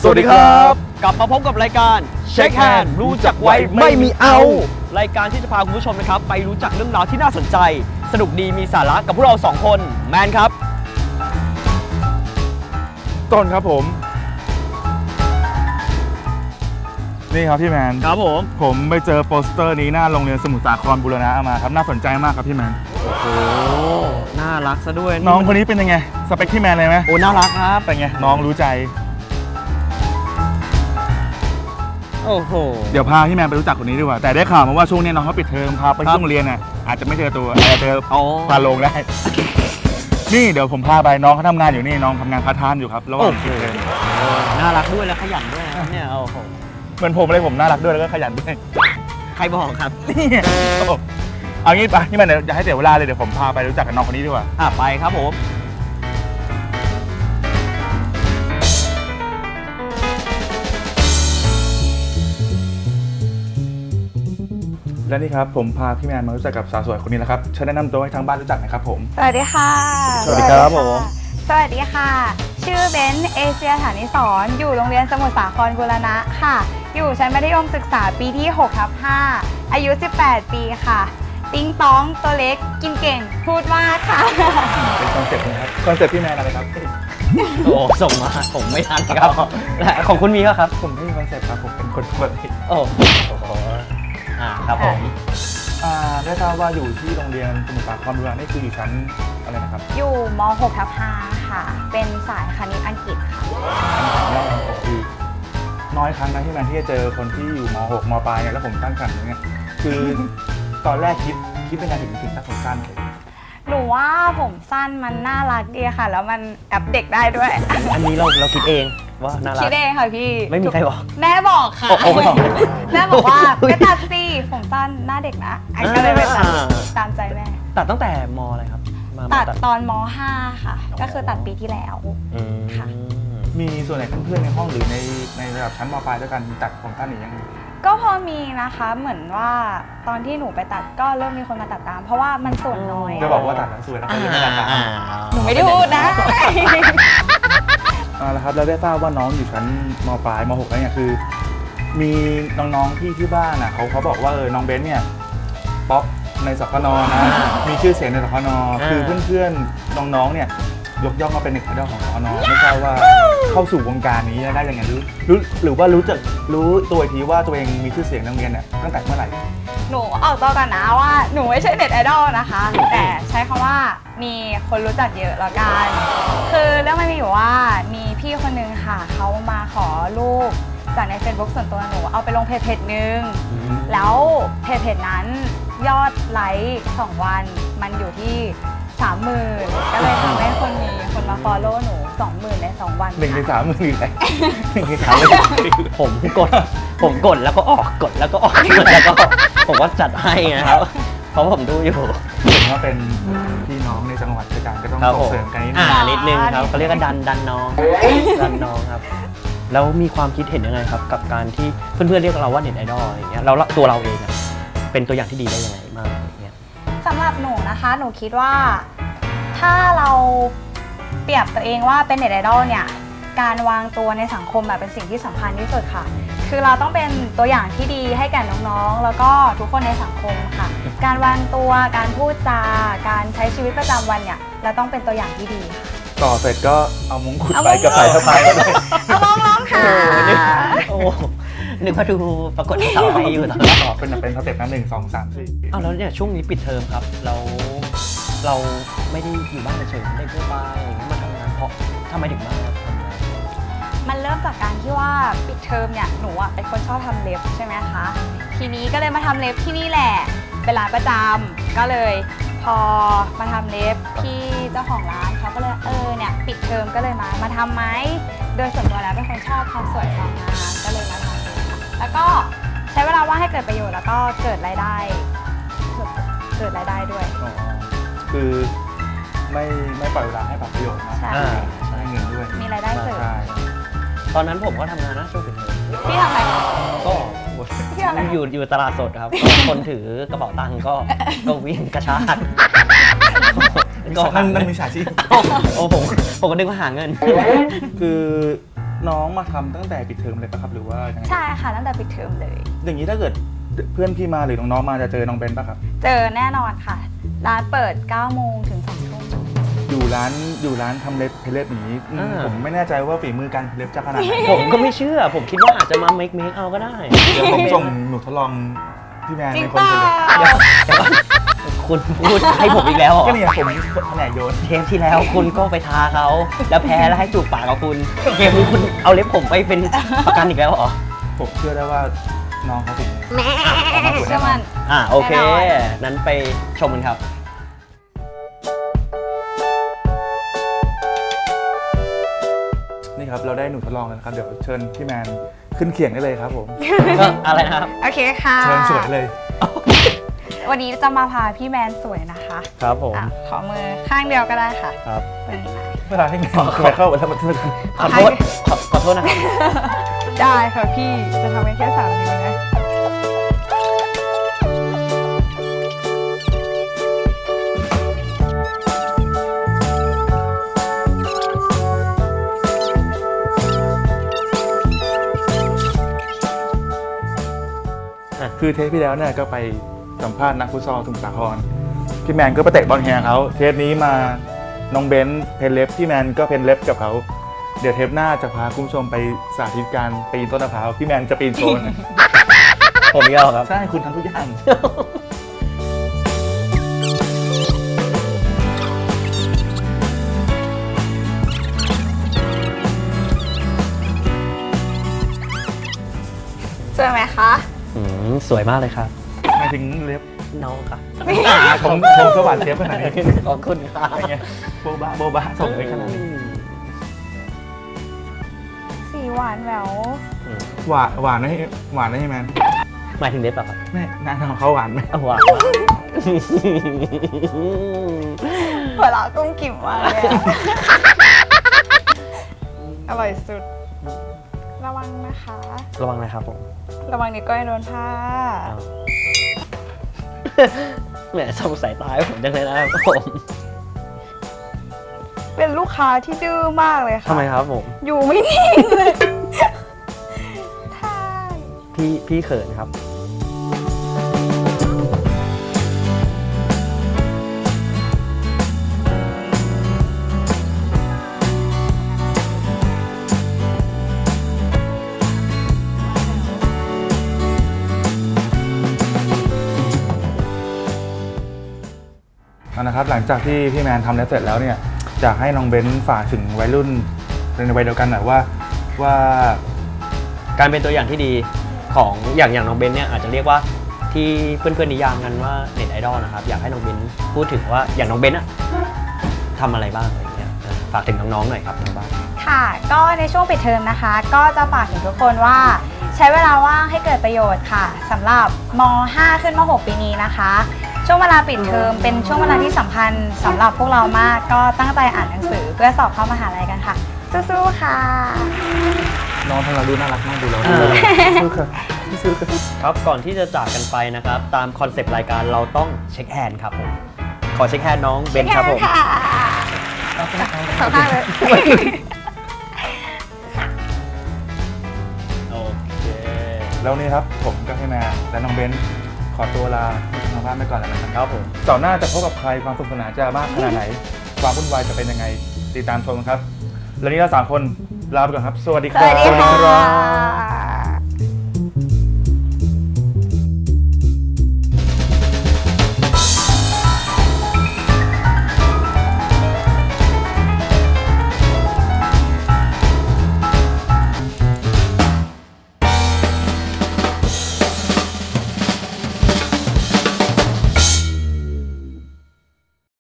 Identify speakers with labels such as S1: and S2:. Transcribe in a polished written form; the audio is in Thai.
S1: สวัสดีครับ
S2: กลับมาพบกับรายการ
S1: Shake Hand รู้จักไว้ไม่มีเอา
S2: รายการที่จะพาคุณผู้ชมนะครับไปรู้จักเรื่องราวที่น่าสนใจสนุกดีมีสาระกับพวกเรา2คนแมนครับ
S1: ต้นครับผมนี่ครับพี่แมน
S2: ครับ
S1: ผมไปเจอโปสเตอร์นี้หน้าโรงเรียนสมุทรสาครบูรณะมาครับน่าสนใจมากครับพี่แมน
S2: โอ้น่ารักซะด้วย
S1: น้องคนนี้เป็นยังไงสเปคพี่แมนเลยไหม
S2: โอ้น่ารักครับ
S1: เป็นไงน้องรู้ใจ
S2: โอ้โห
S1: เดี๋ยวพาพี่แมนไปรู้จักคนนี้ดีกว่าแต่ได้ข่าวมาว่าช่วงนี้น้องเขาปิดเทอมพาไปที่โรงเรียนน่ะอาจจะไม่เจอตัวอาจจะเจอพาลงได้นี่เดี๋ยวผมพาไปน้องเขาทำงานอยู่นี่น้องทำงานพาร์ทไทม์อยู่ครับระหว่างปิดเทอม
S2: น่ารักด้วยและขยันด้วยนะครับเนี่ยโอ้โห
S1: เหมือนผมเลยผมน่ารักด้วยแล้วก็ขยันด้วย
S2: ใครบอกครับ
S1: นี่เอางี้ปะพี่แมนเดี๋ยวอย่าให้เสียเวลาเลยเดี๋ยวผมพาไปรู้จักกับน้องคนนี้ดีกว่า
S2: ไปครับผม
S1: และนี่ครับผมพาพี่แมนมารู้จักกับสาวสวยคนนี้แล้วครับเชิญแนะนำตัวให้ทางบ้านรู้จักหน่อยครับผม
S3: สวัสดีค่ะ
S1: สวัสดีครับผม
S3: สวัสดีค่ะ ชื่อเบนซ์เอเชียฐานิสรอยู่โรงเรียนสมุทรสาครบูรณะค่ะ อยู่ชั้นมัธยมศึกษาปีที่ 6/5 อายุ 18 ปีค่ะ ติ้งต้องตัวเล็กกินเก่งพูดมากค่ะ
S1: เป็นคอนเซ็ปต์นะครับคอนเซ็ปต์พี่แมนอะไรครับ
S2: โอ้ส่งมาผมไม่ทันครับและของคุณมีก็ครับ
S1: ผมไม่มีคอนเซ็ปต์ครับผมเป็นคนปกติ
S2: โอ้โหครับผม
S1: ได้ทราบว่าอยู่ที่โรงเรียนสมุทรสาครบูรณะนี่คืออยู่ชั้นอะไรนะครับ
S3: อยู่ม 6/5 ค่ะ เป็นสายคณิตอังกฤษค่ะ
S1: คือน้อยครั้งนะที่แมนที่จะเจอคนที่อยู่ม .6 มปลายเนี่ยแล้วผมตั้งครรภ์อย่างเงี้ยคือตอนแรกคิดเป็นไงถึงตัดผมสั้นเลย
S3: หนูว่าผมสั้นมันน่ารักดีค่ะ แล้วมันแอบเด็กได้ด้วย
S2: อันนี้เราคิดเองว่าน่ารัก
S3: คิดเองค่ะพี่
S2: ไม่มีใครบอก
S3: แม่บอกค่ะ
S2: โอ้โห
S3: แม่บอกว่าไปตัดสิผมสั้นหน้าเด็กนะอันก็เลยไปตัดตามใจแม่
S2: ตัดตั้งแต่มอะไรครับมา
S3: ตัดตอนม .5 ค่ะ ก็คือตัดปีที่แล้ว
S2: อืม
S3: ค่ะ
S1: มีส่วนไหนเพื่อนๆในห้องหรือในระดับชั้นมปลายด้วยกันตัดผมสั้นหรือยัง
S3: ก็พอมีนะคะเหมือนว่าตอนที่หนูไปตัดก็เริ่มมีคนมาตัดตาม เพราะว่ามันส่วนน้อย
S1: จะบอกว่าตัดแล้วสวยแล้วก็ยังไม่ตัดตาม
S3: หนูไม่ได้พูดนะ
S1: แล้วครับเราได้ทราบว่าน้องอยู่ชั้นมปลายม .6 แล้วเนี่ยคือ มีน้องๆที่บ้านอ่ะเขาบอกว่าน้องเบนซ์เนี่ยป๊อปในสคนนะมีชื่อเสียงในสคนคือเพื่อนๆน้องๆเนี่ยยกย่องว่าเป็นเน็ตไอดอลของสคนไม่ทราบว่าเข้าสู่วงการนี้ได้ยังไงหรือว่ารู้ตัวอีกทีว่าตัวเองมีชื่อเสียงในโรงเรียนเนี่ยตั้งแต่เมื่อไหร่
S3: หนูออกตัวกันนะว่าหนูไม่ใช่เน็ตไอดอลนะคะ แต่ใช้คำว่ามีคนรู้จักเยอะแล้วกัน คือเรื่องมันมีอยู่ว่ามีพี่คนนึงค่ะเขามาขอรูปจากใน Facebook ส่วนตัวหนูเอาไปลงเพจนึงแล้วเพจนั้นยอดไลค์2 วันมันอยู่ที่ 30,000 ก็เลยทำให้คนมีคนมาฟอลโล่หนู 20,000 ใน 2 วัน
S1: 1 ใน 3 มือเลย1 ใน 3 เลย
S2: ผมกดแล้วก็ออกกดแล้วก็ออกกดแล้วก็ออกผมว่าจัดให้นะครับเพราะผมดูอยู่
S1: เห็นว่าเป็นพี่น้องในจังหวัดด้วยกันก็ต้อง
S2: ครับ
S1: ส่งเสริมกันนิดนึง
S2: นิดนึงครับเขาเรียกว่าดันน้องครับแล้วมีความคิดเห็นยังไงครับกับการที่เพื่อนๆเรียกเราว่าเน็ตไอดอลอะไรอย่างเงี้ยแล้วตัวเราเองเป็นตัวอย่างที่ดีได้ยังไงบ้างอย่างเงี้ย
S3: สำหรับหนูนะคะหนูคิดว่าถ้าเราเปรียบตัวเองว่าเป็นเน็ตไอดอลเนี่ยการวางตัวในสังคมเป็นสิ่งที่สำคัญที่สุดค่ะคือเราต้องเป็นตัวอย่างที่ดีให้แก่น้องๆแล้วก็ทุกคนในสังคมค่ะการวางตัวการพูดจาการใช้ชีวิตประจำวันเนี่ยเราต้องเป็นตัวอย่างที่ดีค่ะ
S1: ต่อเสร็จก็เอามงกุฎไปกับสายสะพายเลย
S3: เอาร้องค่ะ
S2: โอ้นึกว่าดูปรากฏสาวไทยอยู่ตอน
S1: ต่อเป็นสเต็ปนะ1 2 3 4
S2: อ้าวแล้วเนี่ยช่วงนี้ปิดเทอมครับเราไม่ได้อยู่บ้านเฉยๆได้ทั่วไปอย่างนี้มาทำงานเพราะทำไมถึงมาทำงาน
S3: มันเริ่มจากการที่ว่าปิดเทอมเนี่ยหนูเป็นคนชอบทำเล็บใช่ไหมคะทีนี้ก็เลยมาทำเล็บที่นี่แหละเป็นร้านประจำก็เลยพอมาทำเล็บพี่เจ้าของร้านเขาก็เลยเนี่ยปิดเทอมก็เลยมาทำไหมโดยส่วนตัวแล้วเป็นคนชอบความสวยความงามก็เลยมาทำเลยค่ะแล้วก็ใช้เวลาว่างให้เกิดประโยชน์แล้วก็เกิดรายได้ด้วย
S1: คือไม่ปล่อยเวลาให้ปรับประโยชน์นะ
S3: ใช่
S1: ใช้เงินด้วย
S3: มีรายได้เสริม
S1: ใช่
S2: ตอนนั้นผมก็ทำงานนะช่วงปิดเทอม
S3: พี่ทำอะไร
S2: ก็
S3: พี่ทำอะไร
S2: อยู่ตลาดสดครับ คนถือกระเป๋าตังค์ก็วิ่งกระชาก
S1: นั่นมีฉาชีพ
S2: โอ้ผมก็นึกว่าหาเงิน
S1: คือน้องมาทำตั้งแต่ปิดเทอมเลยปะครับหรือว่ายังไง
S3: ใช่ค่ะตั้งแต่ปิดเทอมเลย
S1: อย่างนี้ถ้าเกิดเพื่อนพี่มาหรือน้องๆมาจะเจอน้องเบนปะครับ
S3: เจอแน่นอนค่ะ ร้านเปิด 9 โมงถึง 2 ทุ่ม
S1: อยู่ร้านทำเล็บเพลเล็บอย่างนี้ผมไม่แน่ใจว่าฝีมือการเพลเล็บจะขนาดไหน
S2: ผมก็ไม่เชื่อ ผมคิดว่าอาจจะมาเมคเอาก็ได้
S1: เดี๋ยวผมส่งหนูทดลองพี่แมน
S3: จริ
S1: ใน
S3: ง
S1: คน
S3: เปล่า
S1: เพลเล็บ
S2: เดี๋ยวก่อนคุณพูดให้ผมอีกแล้วเหรอ
S1: ก็เนี่ยผมแผนกโยน
S2: เทปที่แล้วคุณก็ไปทาเขาแล้วแพ้แล้วให้จูบปากกับคุณเทปนี้คุณเอาเล็บผมไปเป็นประกันอีกแล้วเหรอ
S1: ผมเชื่อได้ว่าน้องเขาถึงออกมาสวย
S3: เชื่
S1: แน่
S3: อน
S1: อ
S3: มัน น
S2: โอเค
S3: แน่นอน
S2: นั้นไปชมกันครับ
S1: นี่ครับเราได้หนูทดลองแล้วนะครับเดี๋ยวเชิญพี่แมนขึ้นเขียงได้เลยครับผม
S2: อะไรนะครับ
S3: โอเคค่ะ
S1: เชิญสวยเลย
S3: วันนี้จะมาพาพี่แมนสวยนะคะ
S2: ครับผม
S3: อ่ะขอมือข้างเดียวก็ได้ค่ะ
S2: ครับ
S3: ตรงนี้นะ
S1: เวลาให้แมนไปเข้าแล้วมาเทือน
S2: ขอโทษขอโทษนะครับ
S3: ได้ค่ะพี่จะทำกันแค่3 นิ้วนะ
S1: คือเทปที่แล้วเนี่ยก็ไปสัมภาษณ์นักฟุตซอลสมุทรสาครพี่แมนก็ไปเตะบอลแฮร์เขาเทปนี้มาน้องเบนเพนเล็บพี่แมนก็เพนเล็บกับเขาเดี๋ยวเทปหน้าจะพาคุณผู้ชมไปสาธิตการปีนต้นมะพร้าวพี่แมนจะปีนโชว์นะ
S2: ผมอีกแล้วครับ
S1: ใช่คุณทำทุกอย่าง
S3: สวยไหมคะ
S2: สวยมากเลยครับ
S1: หมายถึงเล็บ
S2: น้องครับ
S1: ผมสวัสดิ์เทปขนาดนี้
S2: ขอบคุณครับ
S1: อะไรเงี้ยโบบะส่งไปขนาดนี้
S3: สีหวานแหวว
S1: หวานให้แมน
S2: หมายถึงเล็บเหรอครับ
S1: แม่หน้าทางเขาหวานไหม
S2: หวาน
S3: หัวเราะกุ้งกิ่มมากเลยอะ อร่อยสุด ระวังนะคะ
S2: ระวังนะครับผม
S3: ระวังนิ้วก้อยโดนผ้า
S2: แหมสงสัยตายผมจังเลยนะครับผม
S3: เป็นลูกค้าที่ดื้อมากเลยค่ะ
S2: ทำไมครับผม
S3: อยู่ไม่นิ่งเลยใช่
S2: พี่เขินครับ
S1: เอานะครับหลังจากที่พี่แมนทำแล้วเสร็จแล้วเนี่ยอยากให้น้องเบนฝากถึงวัยรุ่นในวัยเดียวกันหน่อยว่า
S2: การเป็นตัวอย่างที่ดีของอย่างน้องเบนเนี่ยอาจจะเรียกว่าที่เพื่อนๆนิยามกันว่าเน็ตไอดอลนะครับอยากให้น้องเบนพูดถึงว่าอย่างน้องเบนอะทำอะไรบ้างอะไรอย่างเงี้ยฝากถึงน้องๆหน่อยครับทางบ้าน
S3: ค่ะ ก็ในช่วงปิดเทอมนะคะ ก็จะฝากถึงทุกคนว่าใช้เวลาว่างให้เกิดประโยชน์ค่ะสำหรับม .5 ขึ้นม .6 ปีนี้นะคะ ช่วงเวลาปิดเทอมเป็นช่วงเวลาที่สำคัญสำหรับพวกเรามาก ก็ตั้งใจอ่านหนังสือเพื่อสอบเข้ามหาลัยกันค่ะ สู้ๆค่ะ
S1: น้องทางเราดูน่ารักมากดูเรา สู้ค่ะสู้ค่ะ
S2: ครับก่อนที่จะจากกันไปนะครับตามคอนเซปต์รายการเราต้องเช็คแฮนด์ครับผมขอเช็คแฮนด์น้องเบนครับผม
S3: ค่ะสองข้างเลย
S2: โอเค
S1: แล้วนี่ครับผมก็ให้แมนและน้องเบนขอตัวลาทางบ้านไปก่อนแล้วนะครับ
S2: ครับผม
S1: เสาร์หน้าจะพบกับใครความสนุกสนานจะมากขนาดไหน ความวุ่นวายจะเป็นยังไงติดตามชมครับ แล้วนี้เรา3 คนลาไปก่อนครับ สวัสดี
S3: ส
S1: ครับ
S3: วัสดีค่ะ